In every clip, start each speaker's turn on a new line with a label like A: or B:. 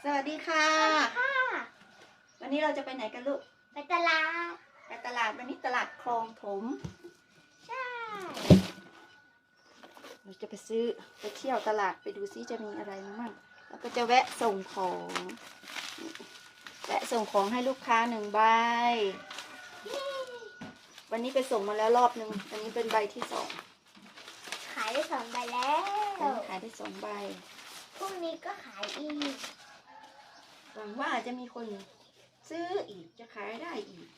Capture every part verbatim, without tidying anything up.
A: สวัสดีค่ะวันนี้เราจะไปไหนกันลูก
B: ไปตลาด
A: ไปตลาดวันนี้ตลาดคลองถม
B: ใช่
A: เราจะไปซื้อไปเที่ยวตลาดไปดูซิจะมีอะไรมั่งแล้วก็จะแวะส่งของแวะส่งของให้ลูกค้าหนึ่งใบวันนี้ไปส่งมาแล้วรอบหนึ่งอันนี้เป็นใบที่สอง
B: ขายได้สองใบแล้ว
A: ขายได้สองใบ
B: พรุ่งนี้ก็ขายอีก
A: หวังว่าจะมีคนซื้ออีกจะขายได้อีก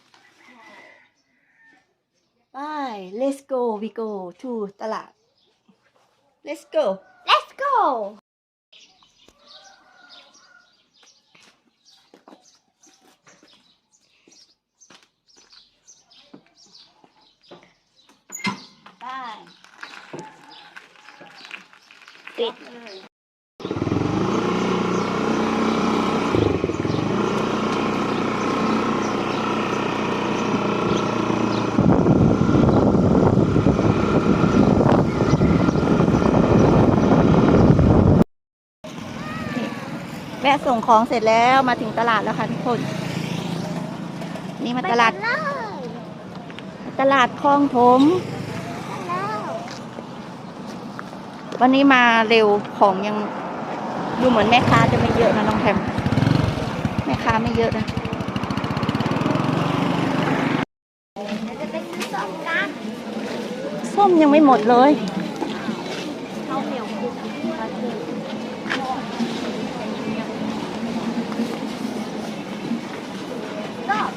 A: ไป let's go we go to ตลาด let's go
B: let's go
A: ไป
B: ปิด
A: แวะส่งของเสร็จแล้วมาถึงตลาดแล้วค่ะทุกคนนี่มาตลาดตลาดคลองถมวันนี้มาเร็วของยังดูเหมือนแม่ค้าจะไม่เยอะนะน้องแพมแม่ค้าไม่เยอะนะ
B: จะไปซื้อส้มกัน
A: ส้มยังไม่หมดเลย
B: ข้าวเหนียวคุกมาซื้อก็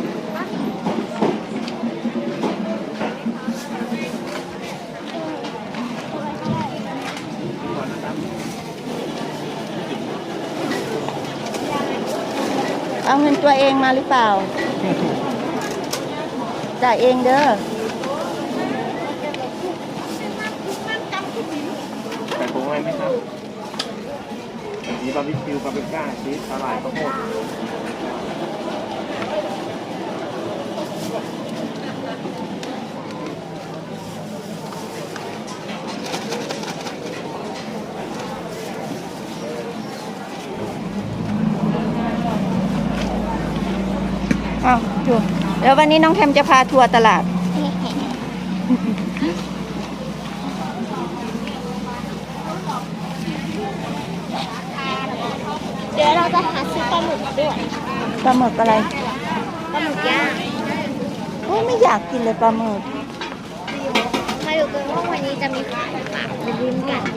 A: เอาเงินตัวเองมาหรือเปล่าจ่ายเองเด้อ
C: ใส่ผงอะไรไหมครับมีบาร์บีคิวปาปริก้าชีสสาหร่ายข้าวโพด
A: อ้าวดูเดี๋ยววันนี้น้องแคมจะพาทัวร์ตลาด
B: เดี๋ยวเราจะหาซื้อปลาหมึกด้วย
A: ปลาหมึกอะไร
B: ปลาหมึกย่าง
A: โอ้ไม่อยากกินเลยปลาหมึก
B: มาดูกันว่าวันนี้จะมีขายหรือเปล่าไปลุ้นกัน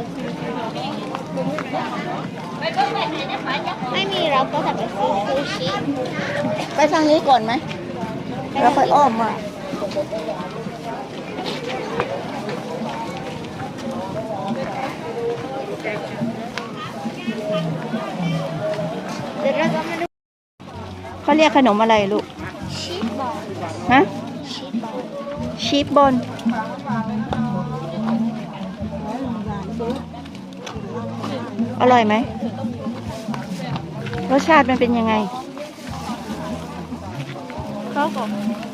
B: ไม่มีเราก็จะไปซื้อซูชิ
A: ไปทางนี้ก่อนไหมแล้วค่อยอ้อมมา
B: เดี๋ยวเราจะมาดู
A: เขาเรียกขนมอะไรลูก
B: ชีสบอล
A: ฮะ
B: ชีสบอล
A: ชีสบอลอร่อยไหมรสชาติมันเป็นยังไง
B: เขาบอก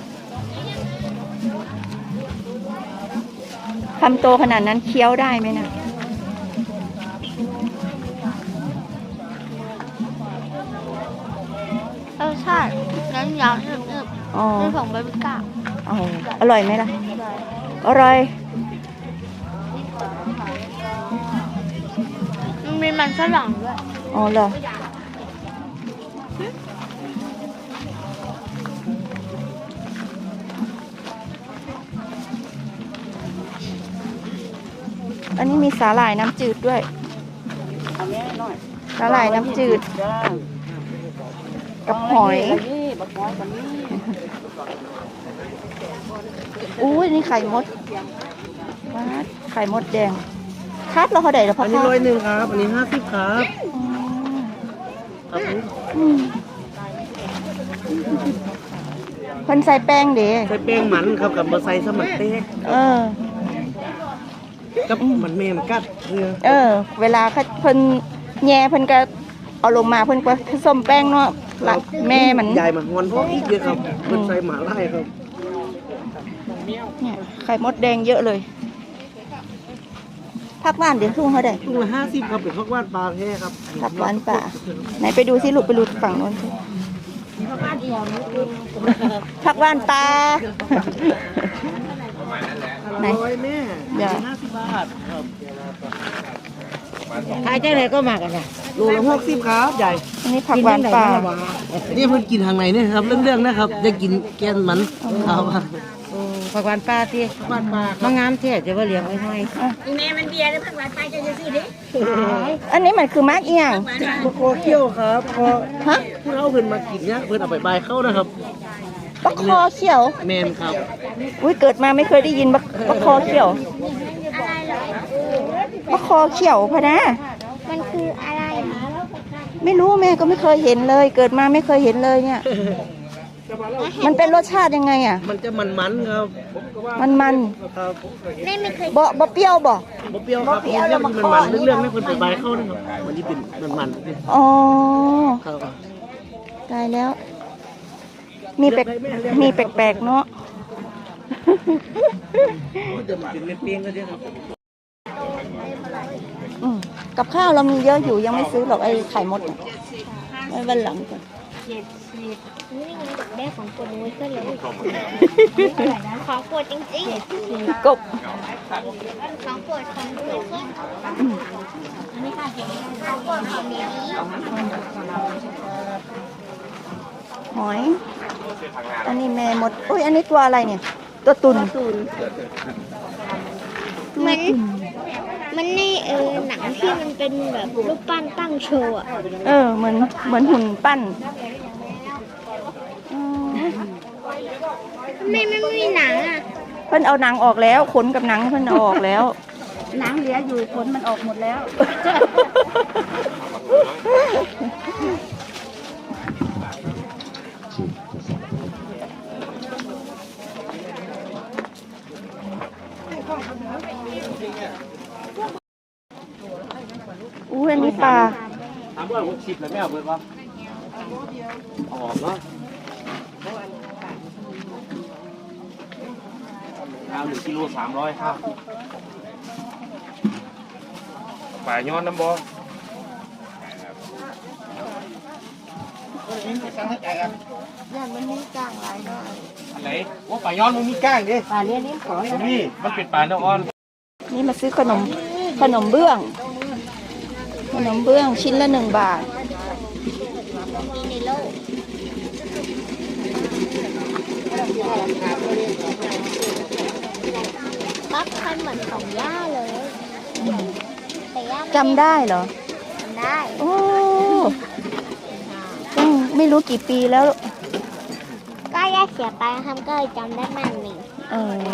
A: คำโตขนาดนั้นเคี้ยวได้ไหมนะ
B: รสชาตินั้นยาวๆนึบๆเป็นของบาร์บีก้า
A: อ๋ออร่อยไหมล่ะอร่อย
B: มันมีมันฝรั่งด้วย
A: อ๋อเหรออันนี้มีสาหร่ายน้ำจืดด้วยสาหร่ายน้ำจืดกับหอยอุ้ยนี่ไข่มดไข่มดแดงคัดเราเขาได้หรือเปล่า
C: อันนี้ร้อยหนึ่งครับอันนี้ห้าสิบครับ
A: เพิ่นใส่แป้งเด้
C: ใส่แป้งหมันครับกับมาใส่สมัครเต้
A: เออ
C: กับมันแม่มกัดเรือ
A: เออเวลาเพิ่นแย่เพิ่นก็เอาลงมาเพิ่นก็ผสมแป้งเนาะหลักแม่มัน
C: ใหญ่มาฮอนพวกอีกเยอะครับเพิ่นใส่หมาไล่ครับ
A: เนี่ยไข่มดแดงเยอะเลยผักหวานเดี๋ยวทุ่งเขาได้
C: ถุงละห้าสิบครับเป็นผักหวานปลาแท้ครับ
A: ผักหวานป่าไหนไปดูสิลูกไปดูฝั่งโน้นสิผักหวานปลา ไหน
C: ร้อยแม่
A: เดี๋ยว
C: ห้าสิบบาทครับ
D: ขายเจ้าไหนก็มากันนะ
C: โลละหกสิบครับใหญ่
A: อันนี้ผักหวานปลา
C: นี่เพิ่นกินทางไหนเนี่ยครับเรื่องๆนะครับจะกินแกนมันครับ
D: โอ้ผักหวานปลาที่
C: บ้านปลาค
D: มา
C: รับ
D: งามเท่จะว่าเลี้ยงไว้ให้
B: แม่มันเบียร์แล้วผักหวานไปจะซื้อดิ
A: อันนี้มันคือมากเอียง
C: มะโคเขี้ยวครับพอ
A: ฮะ
C: ผู้เฒ่าเพิ่นมากินเนี่ยเพิ่นเอาไปบายเข้านะครับ
A: บักคอเขียว
C: แมนครับ
A: อุ้ยเกิดมาไม่เคยได้ยินบักบักคอเขียว
B: อะไรเหรอ
A: บักคอเขียวพะนะ
B: มันคืออะไร
A: ไม่รู้แม่ก็ไม่เคยเห็นเลย เกิดมาไม่เคยเห็นเลยเนี่ย มันเป็นรสชาติยังไงอ่ะ
C: มันจะมันๆครับ
A: มันมัน
C: ครับ
B: แม่ไม่เคย
A: ๆบ่บ่เปรี้ยวบ่
C: บ่เปรี้ยวครับ
A: บ่เปรี้ยวแล้วมะ
C: มัน
A: ขอ
C: มันเรื่องๆไม่เพิ่นไปบายเข้านะครับมันนี่เป็นมันๆ
A: อ๋อ
C: ครับ
A: ตายแล้ว มีแปลกมีแปลกๆเนาะ
C: จะเป็นเม็ดเปี้ยงก็ได้ครับ
A: อืมกับข้าวเรามีเยอะอยู่ยังไม่ซื้อหรอกไอ้ไข่มดเนี่ยไว้วันหลังก่อน
B: นี่ไงแม่ของโปรดนุ้ยก็เลยของโปรดจริงๆ
A: กบ
B: ของโปรดของนุ้ยก็อันนี้ค่ะของโปรดของนี้
A: หอย อันนี้แม่มดอุ้ยอันนี้ตัวอะไรเนี่ย ตัวตุน
B: มันมันในเออหนังที่มันเป็นแบบรูปปั้นตั้งโชว์อะ
A: เออ เหมือนเหมือนหุ่นปั้นอืม
B: ไม่ไม่ไม่มีหนังอ่ะ
A: เพิ่นเอาหนังออกแล้วขนกับหนังเพิ่นเอาออกแล้ว
D: หนังเหลืออยู่ผลมันออกหมดแล้ว
A: อู้อันนี้ปลา
C: ถามว่าหกสิบแล้วแม่เอาเบิดว่าออกเนาะเอาหนึ่งกิโลสามร้อยครับป่าย้อนน้ำบออะไรว่าป่าย้อนมันมีก้างดิ
D: ป่าเลี้ยงเลี้ยงขอ
C: นี่มันเป็นป่าเนื้ออ่อน
A: นี่มาซื้อขนมขนมเบื้อง ขนมเบื้องชิ้นละหนึ่งบาท
B: มีในโลกปั๊บคันเหมือนของย่าเลยแต่ย่าไม่
A: จำได้เหรอ
B: จำได้
A: โอ้ตั้งไม่รู้กี่ปีแล้ว
B: ก็ย่าเสียไปทำก็เลยจำได้มันหนึ่ง
A: เออ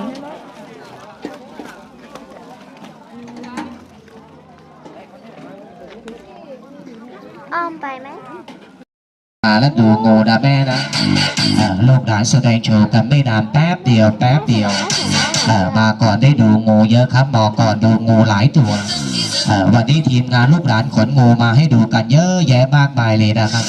B: อ้อมไปไหม
E: มาแล้วดูงูนะแม่นะเอ่อลูกหลานแสดงโชว์กันไม่นานแป๊บเดียวแป๊บเดียวเอ่อมาก่อนได้ดูงูเยอะครับมาก่อนดูงูหลายตัวเอ่อวันนี้ทีมงานลูกหลานขนงูมาให้ดูกันเยอะแยะมากมายเลยนะครับ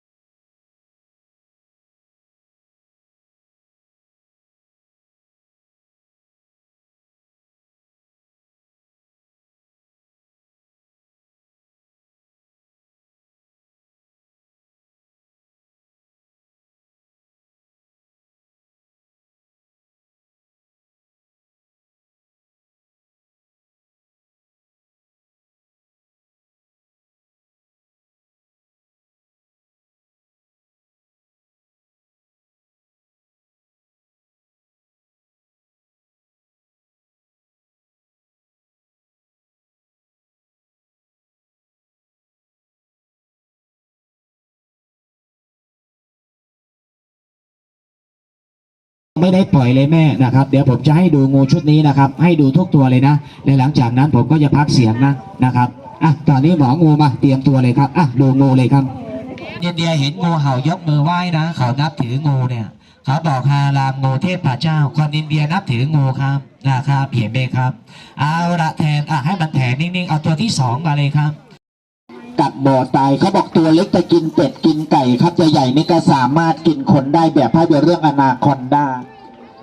E: ไม่ได้ปล่อยเลยแม่นะครับเดี๋ยวผมจะให้ดูงูชุดนี้นะครับให้ดูทุกตัวเลยนะและหลังจากนั้นผมก็จะพักเสียงนะนะครับอ่ะตอนนี้หมองูมาเตรียมตัวเลยครับอ่ะดูงูเลยครับเดียเดียเห็นงูเห่ายกมือไหว้นะเขานับถืองูเนี่ยเขาบอกฮารามงูเทพเจ้าคนอินเดียนับถืองูครับนะครับเห็นไหมครับเอาละแทนอ่ะให้มันแทนนิ่งๆเอาตัวที่สองมาเลยครับกัดบ่อตายเขาบอกตัวเล็กจะกินเป็ดกินไก่ครับใหญ่ๆนี่ก็สามารถกินคนได้แบบภาพยนตร์เรื่องอนาคอนดา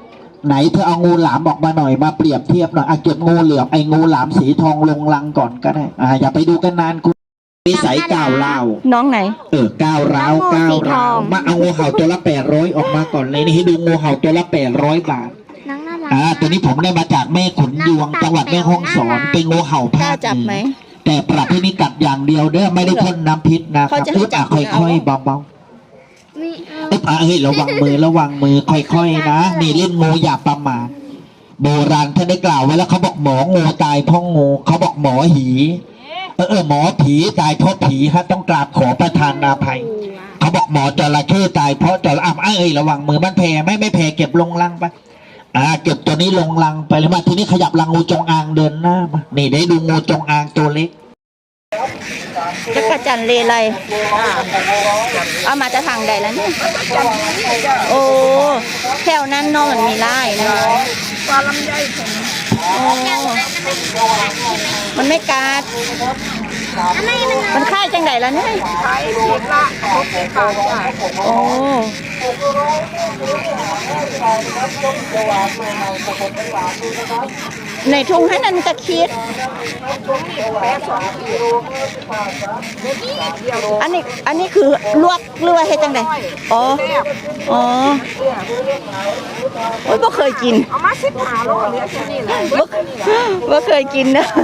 E: ไหนเธอเอางูหลามออกมาหน่อยมาเปรียบเทียบหน่อยอ่ะเก็บงูเหลือมไอ้งูหลามสีทองลงลังก่อนก็ได้อ่าอย่าไปดูกันนานคุณนิสัยก้าวร้าว
A: น้องไหน
E: เออก้าวร้าว
A: น้
E: ก้า
A: องงูสี
E: ว
A: ท
E: ร้า
A: อ
E: ว
A: ง
E: มาเอางูเห่าตัวละแปดร้อยออกมาก่อนเลยนี่ให้ดูงูเห่าตัวละแปดร้อยบาท
B: น้องน่ารัก
E: อ่าตัวนี้ผมได้มาจากแม่ขุนยวงจังหวัดแม่ฮ่องสอนเป็นงูเห่าก ภา
A: ล้า
E: ค
A: จับ
E: เห
A: ไหม
E: นือแต่ปรับให้นี่กัดอย่างเดียวเด้อไม่ได้พ่นน้ำพิษนะค
A: เขา
E: รับ
A: จะให้
E: อึ๊บ
A: จั
E: อ่ะ
A: บ
E: ค่
A: เอา
E: อยๆเบา
B: ไม่เอา
E: ๆอึ๊บอ่ะเฮ้ยระวังมือระวังมือค่อยๆนะนี่เล่นงูอย่าประมาทโบราณท่านได้กล่าวไว้แล้วเขาบอกหมองูตายเพราะงูเขาบอกหมอหีเออเออหมอผีตายเพราะผีฮะต้องกราบขอประทานอาภัยเขาบอกหมอจระเข้ตายเพราะจระอ่ะเอ้ยระวังมือมันแผ่ไม่ไม่แผ่เก็บลงลังไปอ่าเก็บตัวนี้ลงลังไปเลยมาทีนี้ขยับลังงูจงอางเดินหน้ามานี่ได้ดูงูจงอางตัวเล็ก
A: จักรจันทร์เลไลเอามาจะทางใดแล้วเนี่ยโอ้แถวนั้นเนอะมันมีไร่นะปลาลำไยโอ้มันไม่กัดมันค่ายจังใดแล้วเนี่ยโอ้ในทุ่งให้นันตะคิดอันนี้อันนี้คือลวกหรือว่าเฮ็ดจังไดอ๋ออ๋อโอ้ยบ่เคยกินเอามาสิบห้าโลเหลือแค่นี้แหละบ่เคยกินนะ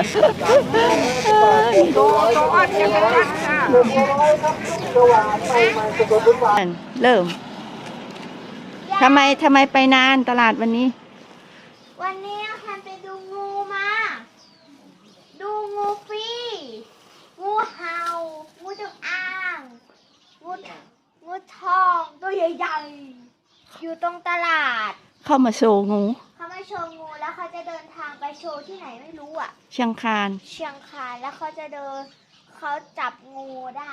A: เริ่มทำไมทำไมไปนานตลาดวันนี้
B: วันนี้ฉันไปดูงูมา ดูงูฟรีงูเห่างูจงอางงูงูทองตัวใหญ่ๆอยู่ตรงตลาด
A: เข้ามาโชว์งู
B: เขามาโชว์งูแล้วเขาจะเดินทางไปโชว์ที่ไหนไม่รู้อ่ะ
A: เชียงคาน
B: เชียงคานแล้วเขาจะเดินเขาจับงูได้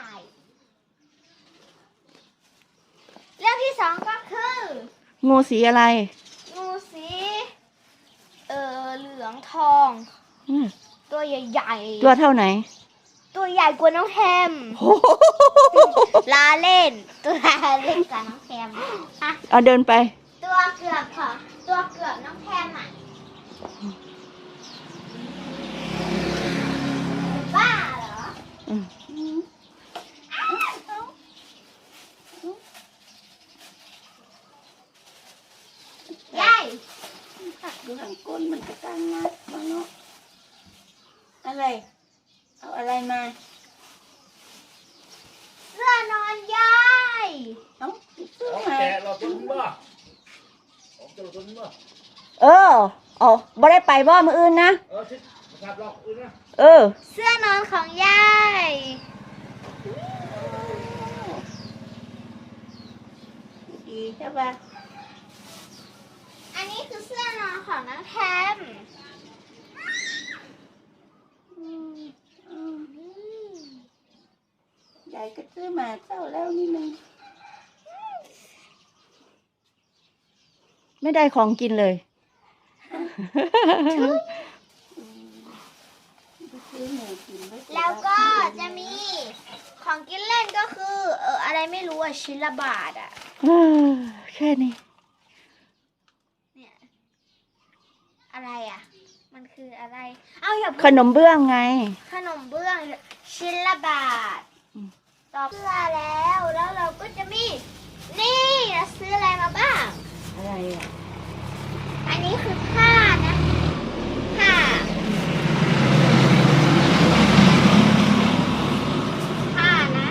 B: เรื่องที่สองก็คือ
A: งูสีอะไร
B: งูสีเออเหลืองทอง
A: อืม
B: ตัวใหญ่
A: ตัวเท่าไหน
B: ๆตัวใหญ่กว่าน้องแฮมลาเล่น ตัวลาเล่นกับน้องแฮมอะ
A: เอาเดินไป
B: ตัวเกือบค่ะตัวเกือบน้องแฮมอ่ะบ้าเหรอ
A: อืม
B: ยาย
D: ดูหางก้นมันจะตั้งนะมาเนาะอะไร เอาอะไรมา
B: เสื้อนอนยาย
D: เอ้าซื้อมา
C: เราตุ้มบ่ผมจะตุ้มบ่
A: เอออ๋อบ่ได้ไปบ่มื้ออื่นนะ
C: เออชิดครับเราอื่นนะ
A: เออ
B: เสื้อนอนของยาย
D: ดีใช่ปะ
B: อันนี้คือเสื้อนอนของน้องแฮม
D: ยายก็ซื้อมาเจ้าแล้วนี่นึง
A: ไม่ได้ของกินเลย
D: ซื้อหมูกินไ
B: แล้วก็จะมีของกินเล่นก็คือ เอออะไรไม่รู้อะชิ้นละบาทอะ
A: แค่นี้
B: เนี่ยอะไรอะมันคืออะไร เอาอย่า
A: ขนมเบื้องไง
B: ขนมเบื้องชิ้นละบาท
A: อืม
B: ต่อเสื้อแล้วแล้วเราก็จะมี นี่เราซื้ออะไรมาบ้าง
D: อะไรอ่ะ
B: อันนี้คือผ้านะผ้าผ้านะ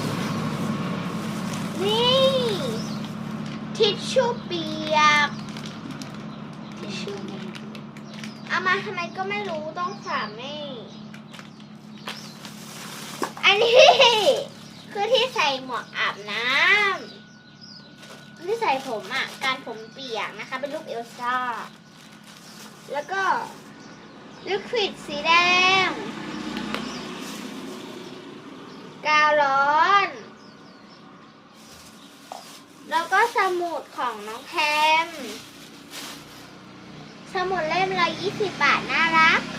B: นี่ทิชชู่เปียกทิชชู่เอามาทำไมก็ไม่รู้ต้องฝากแม่อันนี้ คือที่ใส่หมวกอาบน้ำที่ใส่ผมอ่ะการผมเปียกนะคะ เป็นรูปเอลซ่า แล้วก็ลิควิดสีแดง กาวร้อน แล้วก็สมุดของน้องแพมสมุดเล่มละยี่สิบบาท น่ารัก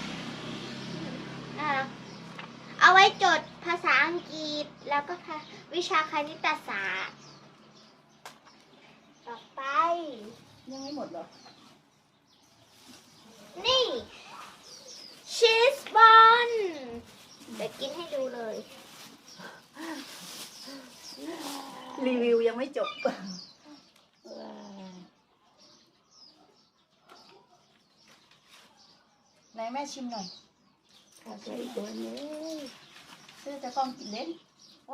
B: น่ารัก เอาไว้จดภาษาอังกฤษ แล้วก็วิชาคณิตศาสตร์ ต่อไป
D: ยังไม่หมดหรอ
B: นี่ชีสบอลเดี๋ยวกินให้ดูเลย
D: รีวิวยังไม่จบไหนแม่ชิมหน่อยข้าใส่ตัวนี้ซื้อจะต้องกินเล่นวัน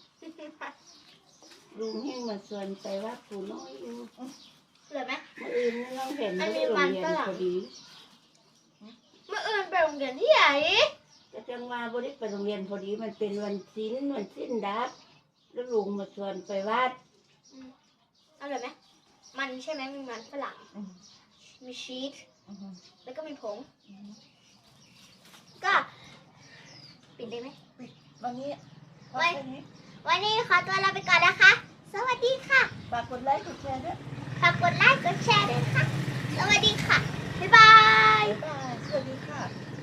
F: ลุงให้มาชวนไปว่าผู้น้อยอยู่
B: เหลือไหม
F: เมื่ออื่นเราเห็น
B: อันนี้
F: ที่โรง
B: มัน
F: เรียน
B: ฝรั่ง
F: พอดี
B: เมื่ออื่นไปโรงเรียนที่ไหน
F: ก็จังว่าบริไปโรงเรียนพอดีมันเป็นวันสิ้นวันสิ้นดับแล้วลุงมาชวนไปวัด
B: เอาเลยไหมมันใช่ไหมมีมันฝรั่งมีชีสแล้วก็มีผงก็ปิดได้ไหม
D: วันนี้
B: ไว้ วันนี้ขอตัวลาไปก่อนนะคะ สวัสดีค่ะ
D: ฝากกดไลค์กดแชร์ด้วย
B: ฝากกดไลค์กดแชร์ด้วยค่ะ สวัสดีค่ะ บ๊ายบาย
D: บ๊ายบายสวัสดีค่ะ